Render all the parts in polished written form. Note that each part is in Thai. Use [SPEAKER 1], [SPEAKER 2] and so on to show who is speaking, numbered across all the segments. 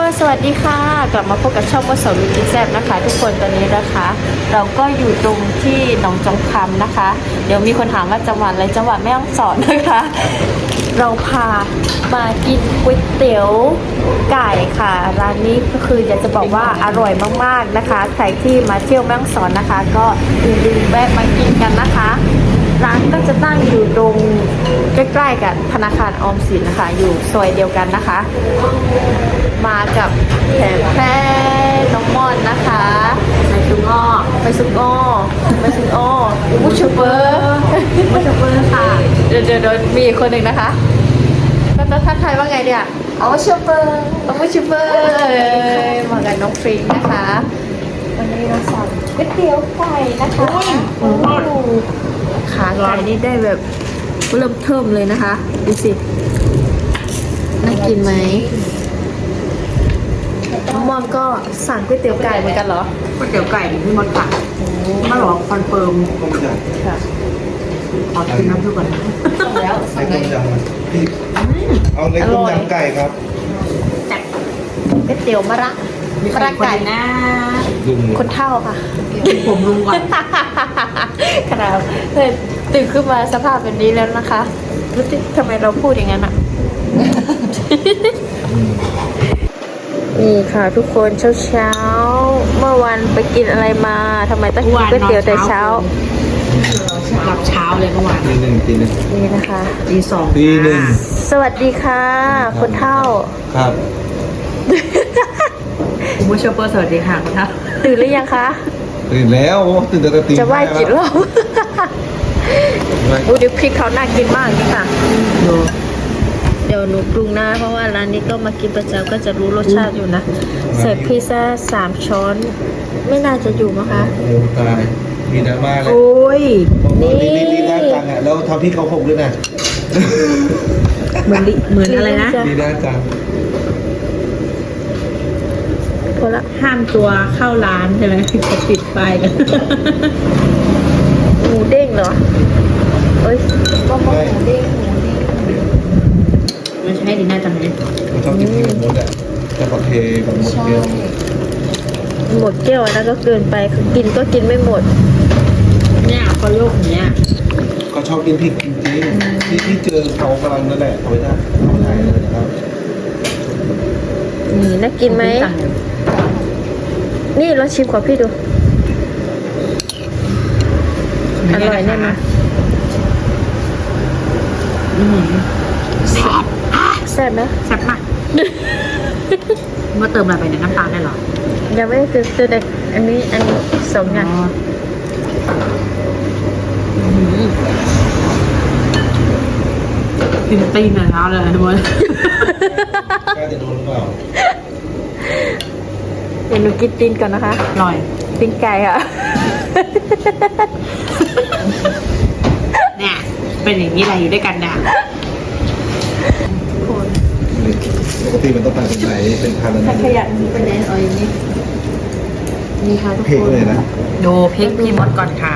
[SPEAKER 1] สวัสดีค่ะกลับมาพบกับช่องว่าสาวลุยกินแซ่บนะคะ ทุกคนตอนนี้นะคะ เราก็อยู่ตรงที่หนองจอมคำนะคะ เดี๋ยวมีคนถามว่าจังหวัดอะไรจังหวัดแม่ฮ่องสอนนะคะ เราพามากินก๋วยเตี๋ยวไก่ค่ะร้านนี้ก็คืออยากจะบอกว่าอร่อยมากๆนะคะใครที่มาเที่ยวแม่ฮ่องสอนนะคะ ก็อย่าลืมแวะมากินกันนะคะร้านก็จะตั้งอยู่ตรงใกล้ๆกับธนาคารออมสินนะคะอยู่ซอยเดียวกันนะคะ มากับแผนแพร่น้องม่อนนะคะไปสุกอ้อไปสุกอ้อไปสุกอ้อบูชเปอร์บูชเปอร์ค่ะเดี๋ยวมีอีกคนหนึ่งนะคะก็จะทักทายว่าไงเนี่ยอ๋อชูเปอร์บูชเปอร์มากับน้องฟริงนะคะวันนี้เราสั่งก๋วยเตี๋ยวไก่นะคะขาไก่นี่ได้แบบเริ่มเทิมเลยนะคะดูสิน่ากินไหมน้องมอมก็สั่งก๋วยเตี๋ยวไก่เหมือนกันเหรอ
[SPEAKER 2] ก๋วยเตี๋ยวไก่ที่พี่มดสั่งมาหรอคอนเฟิร์ม
[SPEAKER 1] ค่ะ
[SPEAKER 2] ขอกินน้ำซุปก่อนนะ
[SPEAKER 1] สั่งแล้ว
[SPEAKER 3] ในต้มยำพี่เอาในต้มยำไก่ครับ
[SPEAKER 2] จัด
[SPEAKER 1] ก๋วยเตี๋ยวมะระ
[SPEAKER 2] มีใครคนนะ
[SPEAKER 3] ลุง
[SPEAKER 1] คนเท่าค่ะ
[SPEAKER 2] ผมลุงก่อน
[SPEAKER 1] ขนาดตื่นขึ้นมาสภาพแบบนี้แล้วนะคะรู้สึกทำไมเราพูดอย่างนั้นอ่ะ นี่ค่ะทุกคนเช้าเมื่อวันไปกินอะไรมาทำไมต้องกินก๋วยเตี๋ยวแต่เช้า
[SPEAKER 2] หลับเช้าเลยเมื่อวาน
[SPEAKER 3] ตีหนึ่ง
[SPEAKER 1] นี่นะคะ
[SPEAKER 2] ตีสอง
[SPEAKER 3] ตีหนึ่ง
[SPEAKER 1] สวัสดีค่ะ คนเท่า
[SPEAKER 3] ครับ
[SPEAKER 2] คุณผู้ชมเปอร์สวัสดีค่ะคุณท่าน
[SPEAKER 1] ตื่นหรือยังคะ
[SPEAKER 3] ตื่นแล้วตื่นแต่ตี
[SPEAKER 1] จะไหว้กี่รอบอู้เดี๋ยวพริกเขาน่ากินมากนี่ค่ะ
[SPEAKER 2] ดู
[SPEAKER 1] เดี๋ยวหนูปรุงนะเพราะว่าร้านนี้ก็มากินประจำก็จะรู้รสชาติอยู่นะใส่พิซซ่า3 ช้อน ไม่น่าจะอยู่มั้งคะ
[SPEAKER 3] โอ้ตายมีดราม่าเลย
[SPEAKER 2] โอ้ย
[SPEAKER 3] ลีน่าจังอ่ะแล้วทำพี่เขาหกด้วยนะ
[SPEAKER 2] เหมือนอะไรนะ
[SPEAKER 3] ลีน่าจัง
[SPEAKER 1] พอละ
[SPEAKER 2] ห้ามตัวเข้าร้านใช่ไหมเขาปิดไฟกัน
[SPEAKER 1] หมูเด้งเหรอเอ้ยก็หมูเด้ง
[SPEAKER 2] มันใช่ดีน่าจังเลย
[SPEAKER 3] เขาชอบกินที่กับมดอ่ะจะขอเทกับมดเยอะ
[SPEAKER 1] หมดแก้วอันนั้นก็เกินไปคือกินก็กินไม่หมด
[SPEAKER 2] เนี่ยเขาโยกอย่างเนี้ย
[SPEAKER 3] เขาชอบกินพริกจริงๆที่เจอเขากำลังนั่นแหละเขาไม่ได้เขาไม่ได้เลยนะครับ
[SPEAKER 1] นี่น่ากินไหมนี่ลองชิมของพี่ดูอร่อยแน่นอน แซ่บไหม
[SPEAKER 2] แซ่บมากเมื่อเติมอะไรไปเนี่ยน้ำตาลได้เหรอ
[SPEAKER 1] ยังไม่ได้ซื้อแต่อันนี้2 อย่าง
[SPEAKER 2] กินตีนแต่เช้าเลยทุกคน
[SPEAKER 3] กล้าจะโดนหรือเปล่า
[SPEAKER 1] เดี๋ยวหนูกินตีนก่อนนะคะ
[SPEAKER 2] อร่อย
[SPEAKER 1] ตีนไก่ค่ะ
[SPEAKER 2] เนี่ยเป็นอย่างนี้อะไรอยู่ด้วยกันเนี่ย
[SPEAKER 3] ปกติมันต้องทานเป็นไหนเป็นทานอะไร
[SPEAKER 1] ขยันเป็นแนนออยนี่นี่ค่ะทุก
[SPEAKER 3] เพลง
[SPEAKER 1] คน
[SPEAKER 3] เลยนะ
[SPEAKER 2] ดูพริกพี่มดก่อนค่ะ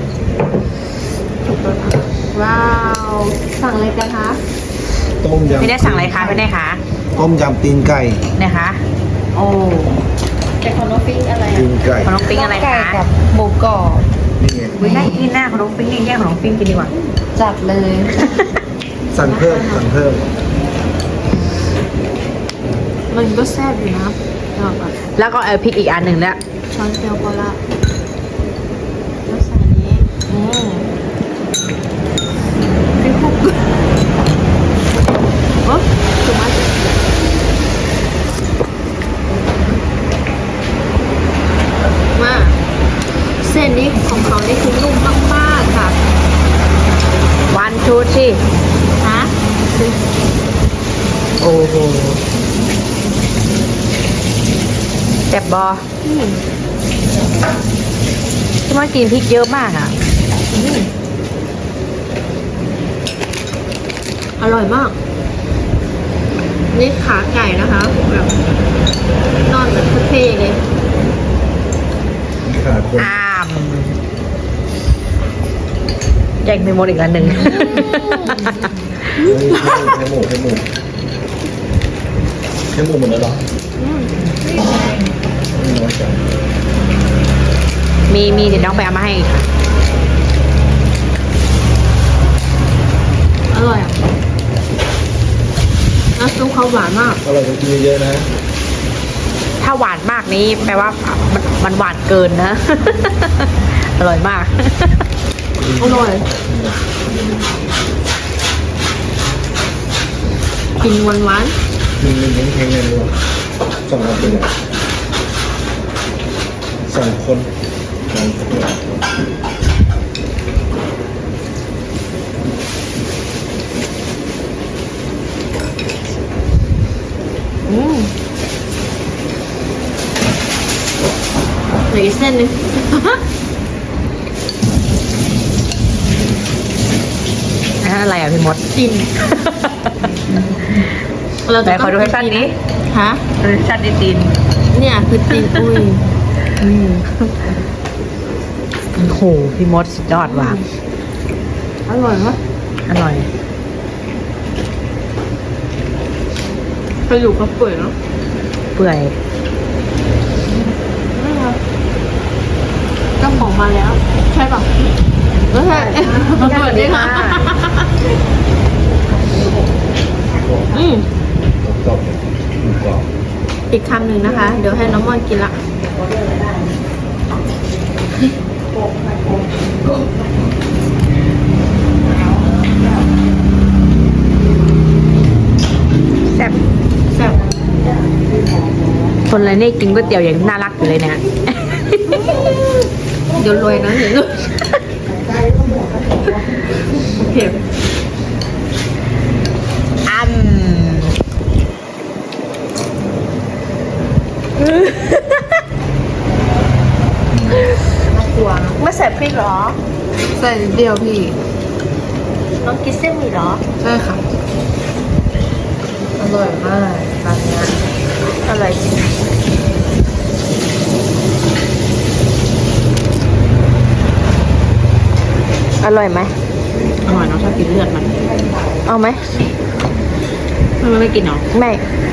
[SPEAKER 1] ว้าว สั่งอะไรกันคะ
[SPEAKER 3] ต้มยำ
[SPEAKER 2] ไม่ได้สั่งอะไรคะไม่ได้คะ
[SPEAKER 3] ต้มยำตีนไก่
[SPEAKER 2] นะคะโอ้
[SPEAKER 1] แต่ของน้องปิ้งอะไร
[SPEAKER 3] ตีนไก่
[SPEAKER 2] ขนมปิ้งอะไร
[SPEAKER 1] ไก่
[SPEAKER 2] คะ
[SPEAKER 1] กับหมูกรอบ
[SPEAKER 3] นี่ไง
[SPEAKER 2] วิน่ากินหน้าขนมปิ้งนี่แยกขนมปิ้งกินดีกว่า
[SPEAKER 1] จัดเลย
[SPEAKER 3] สั่งเพิ่มสั่งเพิ่ม
[SPEAKER 1] มันก็แซ่บอยู่นะเอาแบบ
[SPEAKER 2] แล้วก็พริกอีกอันหนึ่งแล้ว
[SPEAKER 1] ช้อนเดียวพอละแล้วใส่อันนี้พริกคุกโอ้ถูกไหมมาเส้นนี้ของเขานี่คือนุ่มมากๆค่ะ
[SPEAKER 2] วันทูชี
[SPEAKER 1] ฮะ
[SPEAKER 2] โอ้โหแซ่บบอที่มากินพริกเยอะมากอ่ะ
[SPEAKER 1] อร่อยมาก นี่ขาไก่นะคะแบบนอนแบบเท่ๆเลย
[SPEAKER 3] นี่ขนาดคน
[SPEAKER 2] อ้ามแยกไปหมดอีกอันหนึ่ง
[SPEAKER 3] ให้หมูหมดแล้วเหรอน้อยจัง
[SPEAKER 2] มีเดี๋ยวน้องไปเอามาให้ค่ะอร่อยอ่ะน้ำซุปเขาหวานมาก
[SPEAKER 3] อร่อยจริงๆเยอะๆนะ
[SPEAKER 2] ถ้าหวานมากนี้แปลว่ามันหวานเกินนะ อร่อยมาก
[SPEAKER 1] อร่อยกินหวาน
[SPEAKER 3] มันแข็งๆเลยว่ะสองคนเลยสองคนสองคน
[SPEAKER 1] ๆเหลืออีกเส้นหนึง
[SPEAKER 2] อันนั้นอะไรอ่ะพี่มด
[SPEAKER 1] กิน
[SPEAKER 2] ไหนขอดูให้ชัดนี้
[SPEAKER 1] ฮะ
[SPEAKER 2] ดูให้ชัดดิตีน
[SPEAKER 1] เนี่ยคือตีนอุ้ย
[SPEAKER 2] โอ้โหพี่มดสุดยอดว่ะ
[SPEAKER 1] อร่อยมาก
[SPEAKER 2] อร่อย
[SPEAKER 1] กระดูกกระเปื่อยเนาะ
[SPEAKER 2] เปื่อย
[SPEAKER 1] เจ้าของมาแล้ว ใช่ป่ะไม่ใช่สวัสดีค่ะอืม
[SPEAKER 3] กรอบๆกรอบ
[SPEAKER 1] อีกคำหนึ่งนะคะ เดี๋ยวให้น้องมอนกินละ
[SPEAKER 2] แซ่บ
[SPEAKER 1] แซ่บ
[SPEAKER 2] คนอะไรนี่กินก๋วยเตี๋ยวอย่างน่ารักอยู่เลยเนี่ย
[SPEAKER 1] เดี๋ยวรวยนะเดี๋ยวรวยโอเค
[SPEAKER 2] ไม่ใส่พริกหรอ
[SPEAKER 1] ใส่นิดเดียวพี่
[SPEAKER 2] น้องกินเส้นหมี่หรอ
[SPEAKER 1] ใช่ค่ะ อร่อยมากร้านเนี้ย
[SPEAKER 2] อร่อยจริงอร่อยไหม
[SPEAKER 1] อร่อยเนาะชอบกินเลือดมัน
[SPEAKER 2] เอาไหม
[SPEAKER 1] มันไม่กินเนาะ
[SPEAKER 2] ไม่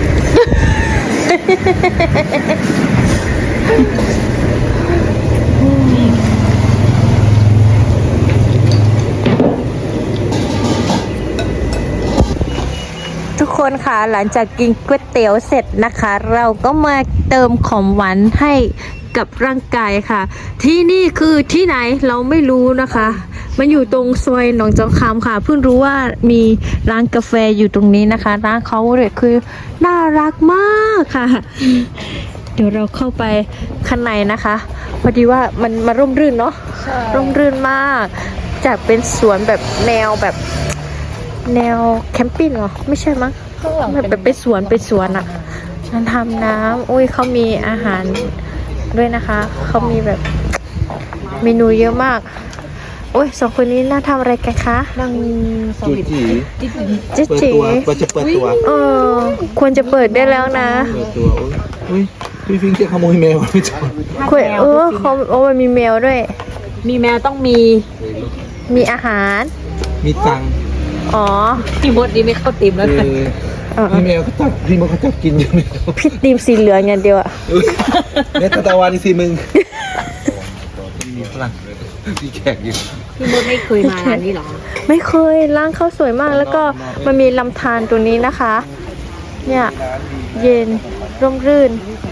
[SPEAKER 2] ทุกคนค่ะหลังจากกินก๋วยเตี๋ยวเสร็จนะคะ เราก็มาเติมของหวานให้กับร่างกายค่ะ ที่นี่คือที่ไหนเราไม่รู้นะคะ มันอยู่ตรงซอยหนองจอกคำค่ะ เพิ่งรู้ว่ามีร้านกาแฟอยู่ตรงนี้นะคะร้านเขาเนี่ยคือน่ารักมากค่ะ เดี๋ยวเราเข้าไปข้างในนะคะพอดีว่ามันมาร่มรื่นเนาะร่มรื่นมาก จากเป็นสวนแบบแนวแบบแนวแคมปิ้งเหรอไม่ใช่มั้งแบบเป็นสวนอ่ะฉันทำน้ำอุ้ยเขามีอาหารด้วยนะคะเขามีแบบเมนูเยอะมากโอ้ยสองคนนี้น่าทำอะไรกันคะ
[SPEAKER 1] นั่ง
[SPEAKER 3] จุดจี
[SPEAKER 1] เจ๊
[SPEAKER 3] เปิด
[SPEAKER 1] จี
[SPEAKER 3] ตัวเราจะเปิดตัว
[SPEAKER 1] ควรจะเปิดได้แล้วนะ
[SPEAKER 3] เปิดตัวอุ้ยพี่ฟิงจะขโมยแมวไม่ใช่
[SPEAKER 1] ควรเขามันมีแมวด้วย
[SPEAKER 2] มีแมวต้องมี
[SPEAKER 1] มีอาหาร
[SPEAKER 3] มีตังค์
[SPEAKER 1] อ๋อ
[SPEAKER 2] พี่มดนี่ไม่เข้าติมแล้วกัน
[SPEAKER 3] พี่แมวเขาจับพี่มันเขาจับกินอยู่ไม่รู้
[SPEAKER 1] พี่ตีมสีเหลืองอย่างเดียวอะ
[SPEAKER 3] เนี่ยตะวันนี่สิมึงมีฝรั่งมีแขกอยู่
[SPEAKER 2] พี่มดไม่เคยมาร้านนี้หรอ
[SPEAKER 1] ไม่เคยร้านเขาสวยมากแล้วก็มันมีลำธารตรงนี้นะคะ เนี่ยเย็นร่มรื่น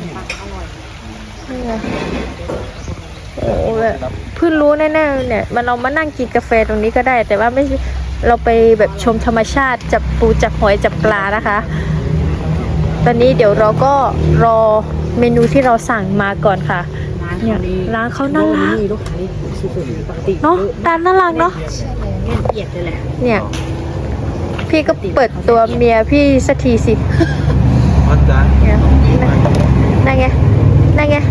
[SPEAKER 1] เนี่ยโอ้แบบเพิ่งรู้แน่ๆเนี่ยมันเรามานั่งกินกาแฟตรงนี้ก็ได้ แต่ว่าไม่เราไปแบบชมธรรมชาติจับปูจับหอยจับปลานะคะ ตอนนี้เดี๋ยวเราก็รอเมนูที่เราสั่งมาก่อนค่ะเนี่ยร้านเขาน่ารัก
[SPEAKER 2] มีลูกค้าสุดๆปกติ
[SPEAKER 1] เนาะร้านน่ารักเนาะ
[SPEAKER 2] เอียดเลยแหละ
[SPEAKER 1] เนี่ย พี่ก็เปิดตัวเมียพี่สักทีสิ
[SPEAKER 3] อ๋อจ้า
[SPEAKER 1] เนี่ยนั่นไงนั่นไง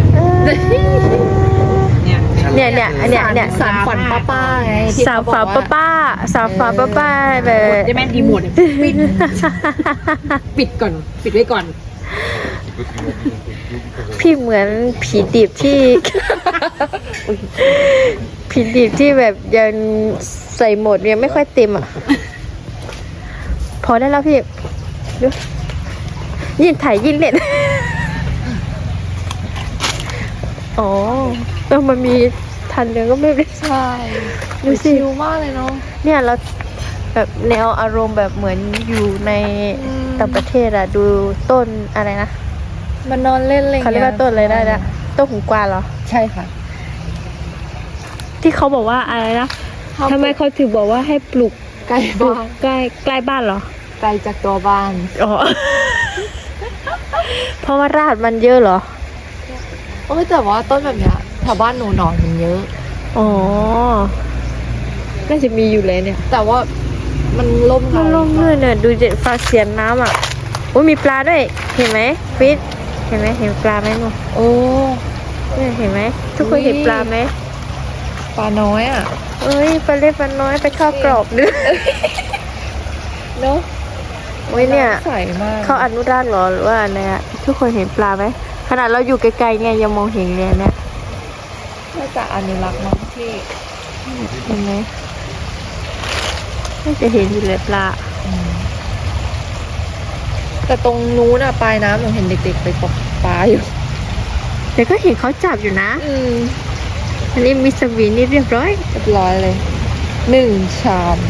[SPEAKER 1] เนี่ย
[SPEAKER 2] สามฝันป้าไง
[SPEAKER 1] สาวฝาป้าสาวฝาป้าแบบ
[SPEAKER 2] จะแม่ดีหมดปิดก่อน ปิดไว้ก่อน
[SPEAKER 1] พี่เหมือนผีดิบที่ ผีดิบที่แบบยังใส่หมดยังไม่ค่อยเต็มอ่ะ พอได้แล้วพี่ดู
[SPEAKER 2] ยิ่งถ่ายยิ่งเล่น อ๋อแล้วมันมีทันเดียวก็ไม่ได้
[SPEAKER 1] ใช่
[SPEAKER 2] ดูสิ
[SPEAKER 1] ชิลมากเลยเนาะ
[SPEAKER 2] เนี่ยเราแบบแนวอารมณ์แบบเหมือนอยู่ใน
[SPEAKER 1] อืม
[SPEAKER 2] ต่างประเทศอะดูต้นอะไรนะ
[SPEAKER 1] มันนอนเล่นอะไร
[SPEAKER 2] เขาเรียกว่าต้นอะไรได้นะต้นหูกวางเหรอ
[SPEAKER 1] ใช่ค่ะ
[SPEAKER 2] ที่เขาบอกว่าอะไรนะทำไมเขาถึงบอกว่าให้ปลูก
[SPEAKER 1] ไกล
[SPEAKER 2] ปลูก
[SPEAKER 1] บ้าน
[SPEAKER 2] ใกล้บ้านเหรอ
[SPEAKER 1] ไกลจากตัวบ้าน
[SPEAKER 2] อ๋อ เพราะว่ารากมันเยอะเหรอ
[SPEAKER 1] โอ้ยแต่ว่าต้นแบบเนี้ยแถวบ้านหนูหนอนมันเยอะ
[SPEAKER 2] อ๋อ น่าจะมีอยู่เลยเนี่ย
[SPEAKER 1] แต่ว่ามันล่ม
[SPEAKER 2] มันลงเลยเนี่ยดูเจ็ดฟ้าเสียนน้ำอ่ะโอ้ยมีปลาด้วย เห็นไหมฟิตเห็นไหมเห็นปลาไหมหนู
[SPEAKER 1] โอ้
[SPEAKER 2] เนี่ยเห็นไหมทุกคนเห็นปลาไหม
[SPEAKER 1] ปลาน้อยอ่ะ
[SPEAKER 2] เอ้ยปลาเล็กปลาน้อยไปเข้าวกรอบด้วย
[SPEAKER 1] เนาะ
[SPEAKER 2] โอ้ยเนี่ย
[SPEAKER 1] ใสมาก
[SPEAKER 2] เขาอนุรักษ์เหรอหรือว่าอะไรอะทุกคนเห็นปลาไหมขนาดเราอยู่ไกลๆไงยังมองเห็นเลยเนี่ย
[SPEAKER 1] น่าจะอนุรักษ์มั้งที่
[SPEAKER 2] เห็นไหมน่าจะเห็นอยู่เลยปลา
[SPEAKER 1] แต่ตรงนู้นอ่ะปลายน้ำหนูเห็นเด็กๆไปตกปลาอยู่
[SPEAKER 2] แต่ก็เห็นเขาจับอยู่นะ
[SPEAKER 1] อืม
[SPEAKER 2] อันนี้มีสวีนี่เรียบร้อย
[SPEAKER 1] เรียบร้อยเลย1 ชาม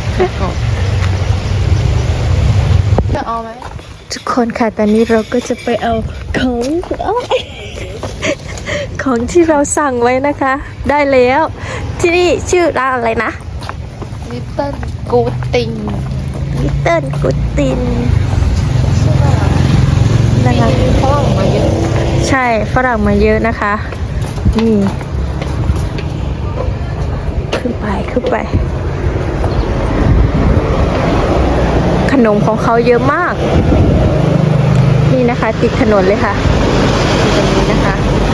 [SPEAKER 1] จะเอาไหม
[SPEAKER 2] ทุกคนค่ะตอนนี้เราก็จะไปเอาของของที่เราสั่งไว้นะคะ ได้แล้ว ที่นี่ชื่อร้านอะไรนะ
[SPEAKER 1] ลิตเติ้ลกูติง
[SPEAKER 2] ลิตเติ้ลกุตินนะคะ
[SPEAKER 1] มีฝรั่งมาเยอะ
[SPEAKER 2] ใช่ฝรั่งมาเยอะนะคะ นี่ ขึ้นไป ขนมของเขาเยอะมาก นี่นะคะ ติดถนนเลยค่ะตรงนี้นะคะ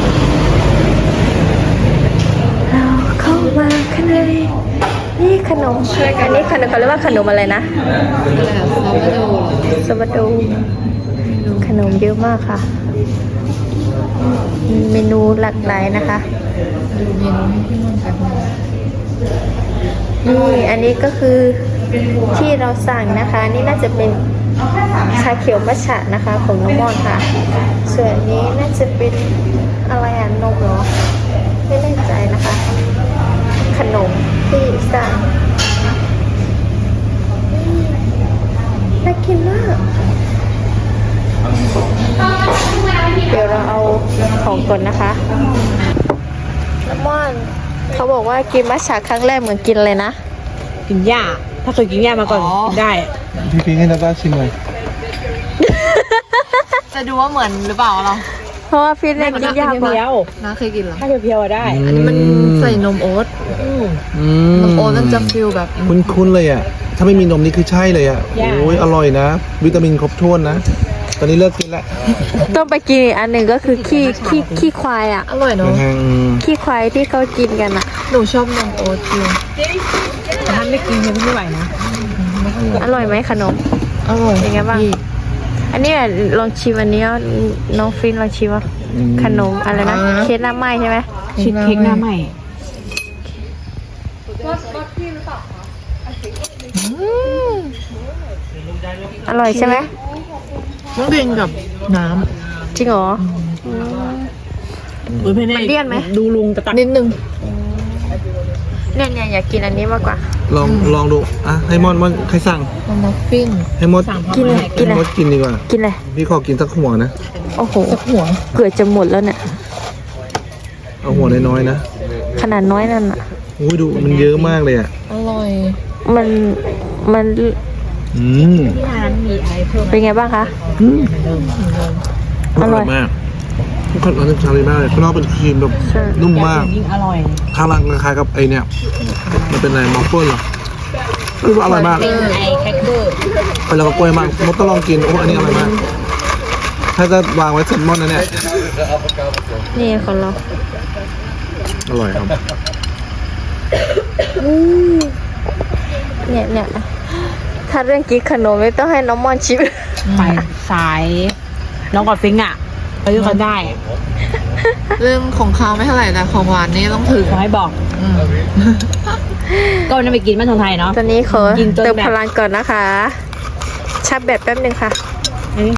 [SPEAKER 2] เราเข้ามาข้างในนี่ขนมอันนี้ขนมเขาเรียกว่าขนมอะไรนะ
[SPEAKER 1] อะไรอะซาวาโด
[SPEAKER 2] สวัสดีขนมเยอะมากค่ะมีเมนูหลากหลายนะคะ
[SPEAKER 1] ดูเมนูให้พี่นุ่นกัน
[SPEAKER 2] นี่อันนี้ก็คือที่เราสั่งนะคะ นี่น่าจะเป็นชาเขียวมัทฉะนะคะของน้องมอนค่ะ ส่วนนี้น่าจะเป็นอะไรอ่ะนมเหรอ ไม่แน่ใจนะคะ ขนมที่สั่งน่ากินมาก เดี๋ยวเราเอาของก่อนนะคะน้ำมอนเขาบอกว่ากินมัทฉะครั้งแรกเหมือนกินเลยนะ
[SPEAKER 4] กินหญ้า ถ้าเคยกินหญ้ามาก่อนกินได้
[SPEAKER 3] พี่พิงให้นาตาชิมหน่อย
[SPEAKER 1] จะดูว่าเหมือนหรือเปล่าเรา
[SPEAKER 2] เพราะว่าพี่เล่นกินยากกว่า
[SPEAKER 4] เพียว
[SPEAKER 1] น้าเคยกินเหรอ
[SPEAKER 4] ถ้าเพียวๆอะได้
[SPEAKER 1] อันนี้มันใส่นมโอ๊ตนมโอ๊ตมันจะฟิลแบบ
[SPEAKER 3] คุ้นๆเลยอ่ะ ถ้าไม่มีนมนี่คือใช่เลยอ่ะ
[SPEAKER 4] ย่า
[SPEAKER 3] โอ้ยอร่อยนะ วิตามินครบถ้วนนะ ตอนนี้เลิกกินแล้ว
[SPEAKER 2] ต้องไปกินอีกอันหนึ่งก็คือขี้ควายอ่ะ
[SPEAKER 1] อร่อยเนาะ
[SPEAKER 3] นะฮะ
[SPEAKER 2] ขี้ควายที่เขากินกันอ่ะ
[SPEAKER 1] หนูชอบนมโอ๊ตจริง
[SPEAKER 4] แต่ถ้าไม่กินยังไม่ไหวนะ
[SPEAKER 2] อร่อยไหมขนม
[SPEAKER 1] อร่อย
[SPEAKER 2] เป็นไงบ้าง อันนี้ลองชิมอันนี้อ่ะน้องฟินลองชิมอ่ะขนมอะไรนะเค้กหน้าไหม้ใช่ไหม
[SPEAKER 4] ชีสเค้กหน้าใหม่
[SPEAKER 2] อร่อยใช่ไหม
[SPEAKER 1] ต้องกินกับน้
[SPEAKER 2] จริงเหรอ
[SPEAKER 4] อุ้ยเพื่อน
[SPEAKER 2] มันเลี่ยนไหม
[SPEAKER 4] ดูลุงตะตัก
[SPEAKER 1] ำนิดนึง
[SPEAKER 2] เนี่ยอยากกินอันนี้มากกว่า
[SPEAKER 3] ลองดู อ่ะ ให้มอนใครสั่ง
[SPEAKER 1] มัฟฟิน
[SPEAKER 3] ให้มด
[SPEAKER 2] กินเลยกินเลย
[SPEAKER 3] มดกินดีกว่า
[SPEAKER 2] กินเลย
[SPEAKER 3] พี่ขอกินสักหัวนะ
[SPEAKER 2] โอ้โห
[SPEAKER 1] สักหัว
[SPEAKER 2] เกือบจะหมดแล้วเนี่ย
[SPEAKER 3] เอาหัวน้อยๆนะ
[SPEAKER 2] ขนาดน้อยนั่นอ่ะ
[SPEAKER 3] อุ้ยดูมันเยอะมากเลยอ่ะ
[SPEAKER 1] อร่อย
[SPEAKER 2] มัน
[SPEAKER 3] อืม
[SPEAKER 4] ที่ร้านมีอะไรเพิ่ม
[SPEAKER 2] เป็นไงบ้างคะ อร่อย
[SPEAKER 3] มากทุกคนอันนี้ชาลีมากเลยข้างนอกเป็นครีมแบบ
[SPEAKER 2] ใช่
[SPEAKER 3] นุ่มมาก
[SPEAKER 4] ยิ่งอร่อย
[SPEAKER 3] ข้างล่างคล้ายๆกับไอเนี่ย มันเป็นอะไรมอฟเฟิลเหรอไม่รู้ว่าอร่อยมาก
[SPEAKER 4] ไอแคคเกอร์
[SPEAKER 3] ไปแล้วก็กล้วยมากมดต้องลองกิน โอ้อันนี้อร่อยมาก ถ้าจะวางไว้เซนมอนนะเนี่ย
[SPEAKER 2] นี่ของเรา
[SPEAKER 3] อร่อยครับ
[SPEAKER 2] เนี่ยถ้าเรื่องกินขนมไม่ต้องให้น้องมอนชิม
[SPEAKER 4] ไปสายน้องกอดฟิงอ่ะไปด้วยกันได้
[SPEAKER 1] เรื่องของคาวไม่เท่าไหร่แต่ของหวานนี่ต้องถึง
[SPEAKER 4] ขอให้บอก ก็วันนั้นไปกินบ้านทองไทยเนาะ
[SPEAKER 2] ตอนนี้ขอ
[SPEAKER 4] กินจนแบบ
[SPEAKER 2] เติมพลังก่อนนะคะ ชับแบบแป๊บหนึ่งค่ะ